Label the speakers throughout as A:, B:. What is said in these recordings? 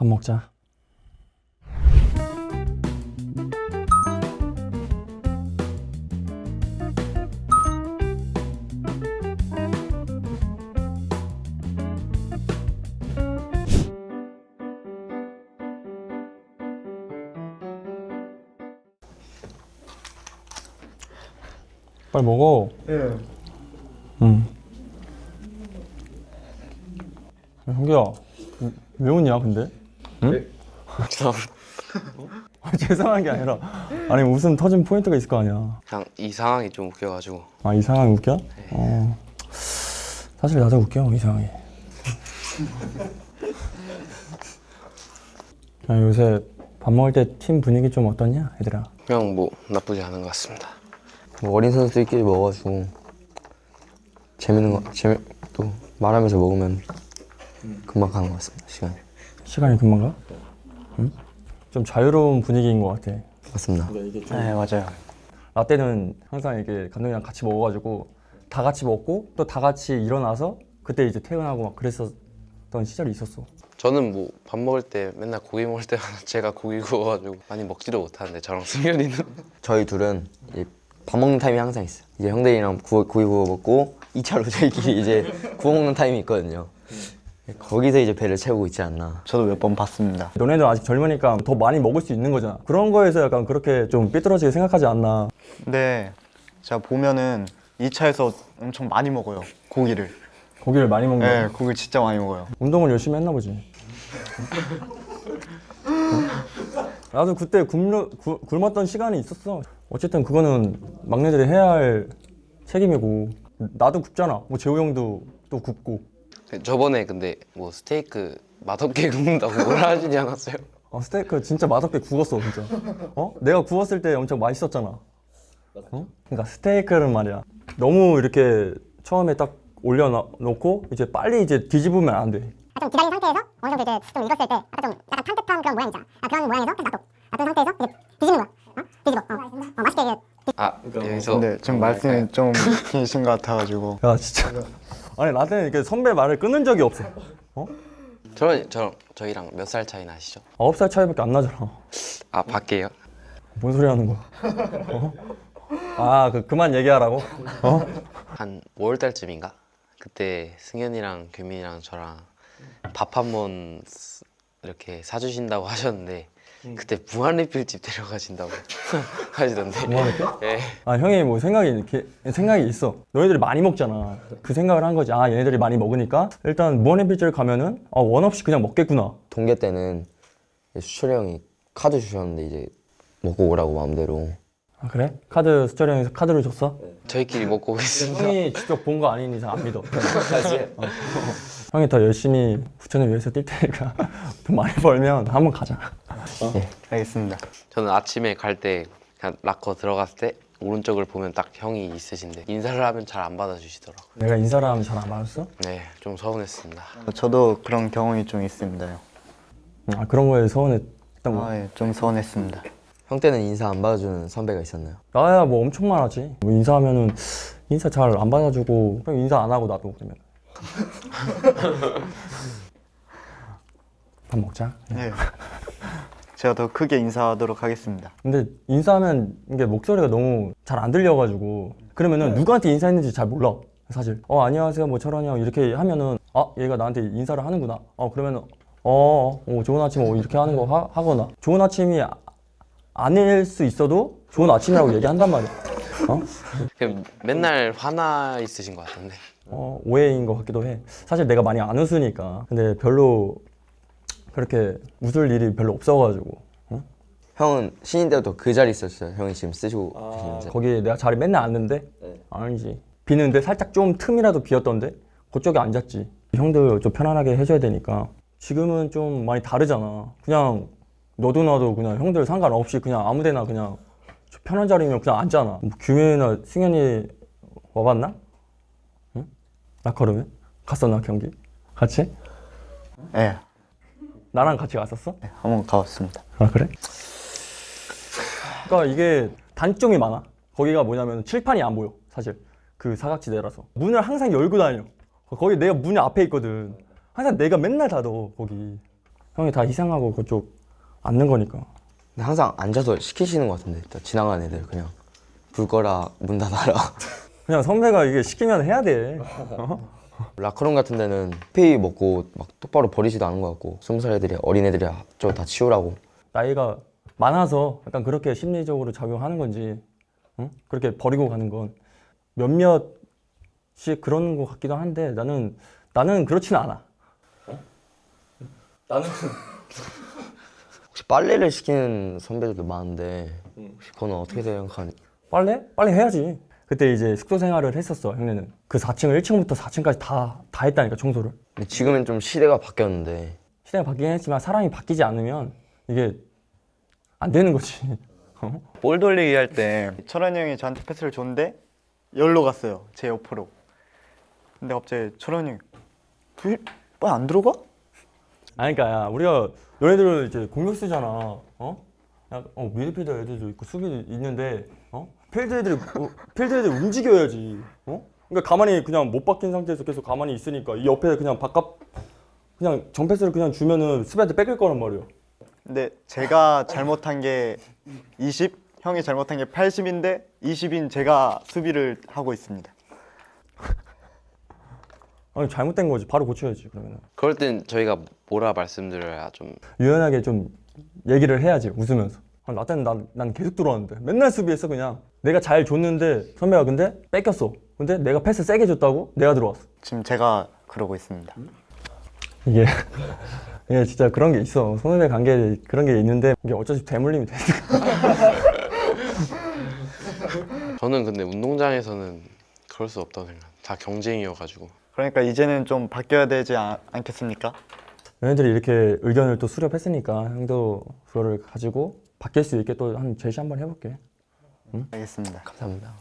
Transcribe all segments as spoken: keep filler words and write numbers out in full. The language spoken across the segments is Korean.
A: 밥 먹자. 빨리 먹어.
B: 예.
A: 응. 야, 형규야, 왜 웃냐 근데? 응?
B: 네.
A: 아니, 죄송한 게 아니라 아니 웃음 터진 포인트가 있을 거 아니야.
C: 그냥 이 상황이 좀 웃겨가지고.
A: 아, 이 상황이 웃겨?
C: 네.
A: 어. 사실 나도 웃겨, 이 상황이. 야, 요새 밥 먹을 때 팀 분위기 좀 어떠냐, 얘들아?
C: 그냥 뭐 나쁘지 않은 것 같습니다.
D: 뭐 어린 선수들끼리 먹어가지고 재밌는 거, 재미 또 말하면서 먹으면 금방 가는 것 같습니다. 시간이.
A: 시간이 금방 가? 응? 좀 자유로운 분위기인 것 같아.
D: 맞습니다.
B: 네, 맞아요.
A: 나 때는 항상 이게 감독이랑 같이 먹어가지고 다 같이 먹고 또 다 같이 일어나서 그때 이제 퇴근하고 막 그랬었던 시절이 있었어.
C: 저는 뭐 밥 먹을 때 맨날 고기 먹을 때마다 제가 고기 구워가지고 많이 먹지도 못하는데 저랑 승현이는
D: 저희 둘은 이제 밥 먹는 타임이 항상 있어요. 이제 형들이랑 구워, 고기 구워 먹고 이 차로 저희끼리 이제 구워 먹는 타임이 있거든요. 거기서 이제 배를 채우고 있지 않나.
B: 저도 몇 번 봤습니다.
A: 너네도 아직 젊으니까 더 많이 먹을 수 있는 거잖아. 그런 거에서 약간 그렇게 좀 삐뚤어지게 생각하지 않나.
B: 근데 제가 보면은 이 차에서 엄청 많이 먹어요. 고기를.
A: 고기를 많이 먹는
B: 네,
A: 거야.
B: 고기를 진짜 많이 먹어요.
A: 운동을 열심히 했나 보지. 어? 나도 그때 굶는, 구, 굶었던 시간이 있었어. 어쨌든 그거는 막내들이 해야 할 책임이고 나도 굽잖아. 뭐 재호 형도 또 굽고.
C: 저번에 근데 뭐 스테이크 맛없게 굽는다고 뭐라 하시지 않았어요?
A: 어, 스테이크 진짜 맛없게 구웠어 진짜. 어? 내가 구웠을 때 엄청 맛있었잖아. 어? 그러니까 스테이크는 말이야. 너무 이렇게 처음에 딱 올려놓고 이제 빨리 이제 뒤집으면 안 돼.
E: 아, 좀 기다린 상태에서 어느 정도 이제 좀 익었을 때 약간 좀 약간 탄뜻한 그런 모양이잖아. 아, 그런 모양에서 놔둬. 놔둔 상태에서 이제 뒤집는 거야. 어? 뒤집어. 어, 어 맛있게 이제
C: 아 여기서
B: 근데 지금 말씀이 좀 긴신 것 같아가지고.
A: 야 진짜. 아니 나한테는 이렇게 선배 말을 끊은 적이 없어. 어?
C: 저랑 저랑 저희랑 몇 살 차이 나시죠?
A: 아홉 살 차이밖에 안 나잖아.
C: 아 밖에요?
A: 뭔 소리 하는 거야? 어? 아, 그 그만 얘기하라고? 어?
C: 한 오월 달쯤인가? 그때 승현이랑 규민이랑 저랑 밥 한 번 이렇게 사주신다고 하셨는데 그때 무한리필집 데려가신다고 하시던데.
A: 무한리필?
C: 예.
A: 아 형이 뭐 생각이 이렇게 생각이 있어. 너희들이 많이 먹잖아. 그 생각을 한 거지. 아 얘네들이 많이 먹으니까 일단 무한리필집을 가면은 아, 원 없이 그냥 먹겠구나.
D: 동계 때는 수철이 형이 카드 주셨는데 이제 먹고 오라고 마음대로.
A: 아 그래? 카드 수철이 형에서 카드를 줬어?
C: 저희끼리 먹고 오겠습니다.
A: 형이 직접 본 거 아닌 이상 안 믿어. 어. 형이 더 열심히 부천을 위해서 뛸 테니까 돈 많이 벌면 한번 가자.
B: 알겠습니다.
C: 저는 아침에 갈 때 그냥 락커 들어갔을 때 오른쪽을 보면 딱 형이 있으신데 인사를 하면 잘 안 받아주시더라고요.
A: 내가 인사를 하면 잘 안 받았어?
C: 네, 좀 서운했습니다.
B: 저도 그런 경험이 좀 있습니다요.
A: 아 그런 거에 서운했던 거.
B: 아, 예, 좀 서운했습니다.
D: 형 때는 인사 안 받아주는 선배가 있었나요?
A: 나야 뭐 엄청 많았지. 뭐 인사하면은 인사 잘 안 받아주고 형 인사 안 하고 나도 그러면. 밥 먹자.
B: 네. 제가 더 크게 인사하도록 하겠습니다.
A: 근데 인사하면 이게 목소리가 너무 잘 안 들려가지고 그러면은 누구한테 인사했는지 잘 몰라 사실. 어 안녕하세요 뭐 철원이 형 이렇게 하면은 아 얘가 나한테 인사를 하는구나. 어 그러면은 어, 어 좋은 아침 뭐 이렇게 하는 거 하, 하거나 좋은 아침이 아, 아닐 수 있어도 좋은 아침이라고 얘기한단 말이야. 어?
C: 그냥 맨날 화나 있으신 것 같은데.
A: 어 오해인 것 같기도 해. 사실 내가 많이 안 웃으니까. 근데 별로 그렇게 웃을 일이 별로 없어가지고. 응?
D: 형은 신인 때부터 그 자리 있었어요. 형이 지금 쓰시고 계시는 자리.
A: 거기 내가 자리 맨날 앉는데? 아니지. 비는데 살짝 좀 틈이라도 비었던데? 그쪽에 앉았지. 형들 좀 편안하게 해줘야 되니까. 지금은 좀 많이 다르잖아. 그냥 너도 나도 그냥 형들 상관없이 그냥 아무데나 그냥 편한 자리면 그냥 앉잖아. 뭐 규민이나 승현이 와봤나? 응? 라커룸에? 갔었나 경기? 같이?
B: 네,
A: 나랑 같이 갔었어?
B: 네, 한번 가봤습니다.
A: 아 그래? 그러니까 이게 단점이 많아. 거기가 뭐냐면 칠판이 안 보여 사실. 그 사각지대라서 문을 항상 열고 다녀. 거기 내가 문이 앞에 있거든. 항상 내가 맨날 닫어 거기. 형이 다 희생하고 그쪽 앉는 거니까.
D: 근데 항상 앉아서 시키시는 것 같은데 또 지나가는 애들 그냥 불 꺼라 문 닫아라.
A: 그냥 선배가 이게 시키면 해야 돼.
D: 라커룸 같은 데는 페이 먹고 막 똑바로 버리지도 않은 것 같고 스무 살 애들이 어린 애들이 저거 다 치우라고.
A: 나이가 많아서 약간 그렇게 심리적으로 작용하는 건지, 응? 그렇게 버리고 가는 건 몇몇이 그런 것 같기도 한데 나는 나는 그렇지는 않아. 어? 나는
D: 혹시 빨래를 시키는 선배들도 많은데 혹시 그건 어떻게 생각하니?
A: 빨래? 빨래 해야지. 그때 이제 숙소 생활을 했었어, 형네는. 그 사 층을 일 층부터 사 층까지 다, 다 했다니까, 청소를.
D: 근데 지금은 좀 시대가 바뀌었는데
A: 시대가 바뀌긴 했지만 사람이 바뀌지 않으면 이게 안 되는 거지. 어?
B: 볼 돌리기 할 때 철원이 형이 저한테 패스를 줬는데 열로 갔어요. 제 옆으로. 근데 갑자기 철원이 형이 왜 안 들어가?
A: 아니, 그러니까 야, 우리가 너네들은 이제 공격수잖아. 어? 야, 어, 미드필더 애들도 있고 수비도 있는데, 어? 필드 애들이 어, 필드 애들 움직여야지. 어? 그러니까 가만히 그냥 못 박힌 상태에서 계속 가만히 있으니까 이 옆에 그냥 바깥 그냥 정패스를 그냥 주면은 수비한테 뺏길 거란 말이야.
B: 근데 제가 잘못한 게 이십, 형이 잘못한 게 팔십인데 이십인 제가 수비를 하고 있습니다.
A: 아니, 잘못된 거지. 바로 고쳐야지, 그러면은.
C: 그럴 땐 저희가 뭐라 말씀드려야 좀
A: 유연하게 좀 얘기를 해야지, 웃으면서. 아, 나 때는 난, 난 계속 들어왔는데 맨날 수비했어. 그냥 내가 잘 줬는데 선배가 근데 뺏겼어. 근데 내가 패스 세게 줬다고 내가 들어왔어.
B: 지금 제가 그러고 있습니다.
A: 이게 이게 진짜 그런 게 있어. 선후배 관계 그런 게 있는데 이게 어차피 대물림이 돼.
C: 저는 근데 운동장에서는 그럴 수 없다고 생각. 다 경쟁이어가지고.
B: 그러니까 이제는 좀 바뀌어야 되지 않, 않겠습니까?
A: 얘네들이 이렇게 의견을 또 수렴했으니까 형도 그거를 가지고 바뀔 수 있게 또 한 제시 한번 해볼게.
B: 알겠습니다.
D: 감사합니다.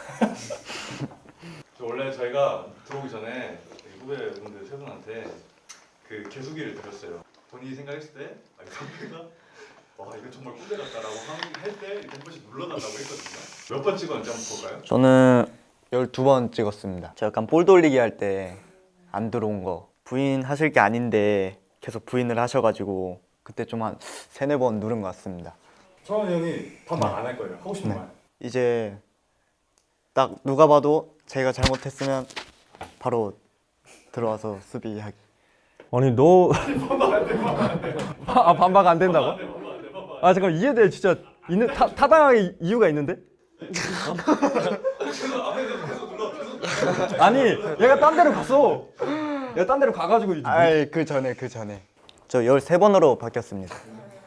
F: 저 원래 저희가 들어오기 전에 후배분들 세 분한테 그 개수기를 드렸어요. 본인이 생각했을 때 아니 선배가 와 이건 정말 꼰대 같다라고 할 때 이렇게 한 번씩 눌러달라고 했거든요. 몇 번 찍었는지 한번 볼까요?
B: 저는 열두 번 찍었습니다. 제가 약간 볼 돌리기 할 때 안 들어온 거 부인 하실 게 아닌데 계속 부인을 하셔가지고 그때 좀 한 세네 번 누른 것 같습니다.
F: 철원이 형이 반말 안 할 거예요. 하고 싶은
B: 네.
F: 말.
B: 이제 딱 누가 봐도 제가 잘못했으면 바로 들어와서 수비하기.
A: 아니 너 아 반박 안 된다고? 아 잠깐 이해돼. 진짜 있는 타, 타당하게 이유가 있는데? 어? 아니 얘가 딴 데로 갔어. 얘가 딴 데로 가가지고 이제
B: 아이 그 전에 그 전에 저 열세 번으로 바뀌었습니다.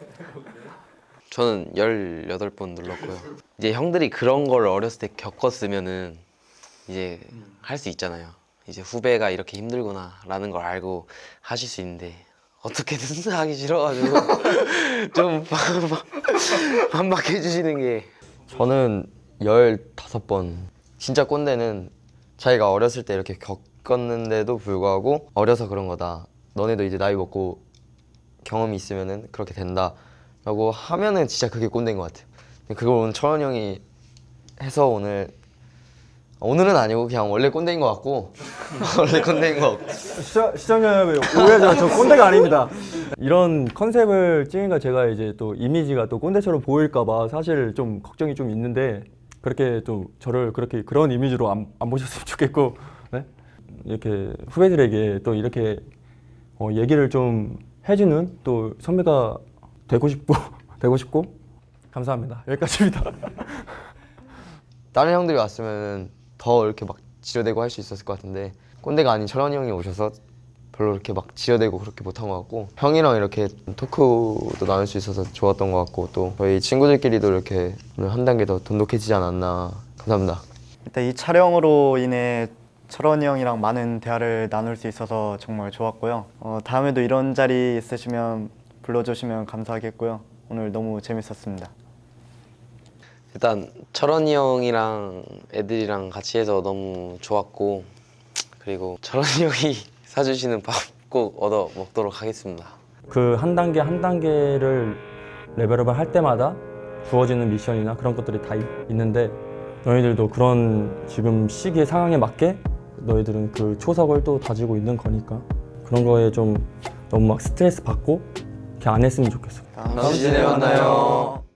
C: 저는 열여덟 번 눌렀고요. 이제 형들이 그런 걸 어렸을 때 겪었으면은 이제 할 수 있잖아요. 이제 후배가 이렇게 힘들구나라는 걸 알고 하실 수 있는데 어떻게든 하기 싫어가지고 좀 반박- 반박해 주시는 게
D: 저는 열다섯 번. 진짜 꼰대는 자기가 어렸을 때 이렇게 겪었는데도 불구하고 어려서 그런 거다. 너네도 이제 나이 먹고 경험이 있으면은 그렇게 된다. 라고 하면은 진짜 그게 꼰대인 것 같아요. 근데 그걸 오늘 철원 형이 해서 오늘 오늘은 아니고 그냥 원래 꼰대인 것 같고 원래 꼰대인 것 같고
A: 시청, 시청자 여러분 오해하지 마. 저 꼰대가 아닙니다. 이런 컨셉을 찍으니까 제가 이제 또 이미지가 또 꼰대처럼 보일까봐 사실 좀 걱정이 좀 있는데 그렇게 또 저를 그렇게 그런 이미지로 안, 안 보셨으면 좋겠고 네? 이렇게 후배들에게 또 이렇게 어, 얘기를 좀 해주는 또 선배가 되고 싶고 되고 싶고 감사합니다. 여기까지입니다.
D: 다른 형들이 왔으면 더 이렇게 막 지려대고 할 수 있었을 것 같은데 꼰대가 아닌 철원이 형이 오셔서 별로 이렇게 막 지려대고 그렇게 못한 것 같고 형이랑 이렇게 토크도 나눌 수 있어서 좋았던 것 같고 또 저희 친구들끼리도 이렇게 오늘 한 단계 더 돈독해지지 않았나. 감사합니다.
B: 일단 이 촬영으로 인해 철원이 형이랑 많은 대화를 나눌 수 있어서 정말 좋았고요. 어, 다음에도 이런 자리 있으시면 불러주시면 감사하겠고요. 오늘 너무 재밌었습니다.
C: 일단 철원이 형이랑 애들이랑 같이 해서 너무 좋았고 그리고 철원이 형이 사주시는 밥 꼭 얻어 먹도록 하겠습니다.
A: 그 한 단계 한 단계를 레벨업을 할 때마다 주어지는 미션이나 그런 것들이 다 있, 있는데 너희들도 그런 지금 시기의 상황에 맞게 너희들은 그 초석을 또 다지고 있는 거니까 그런 거에 좀 너무 막 스트레스 받고 그렇게 안 했으면 좋겠어.
B: 다음 시즌에 만나요.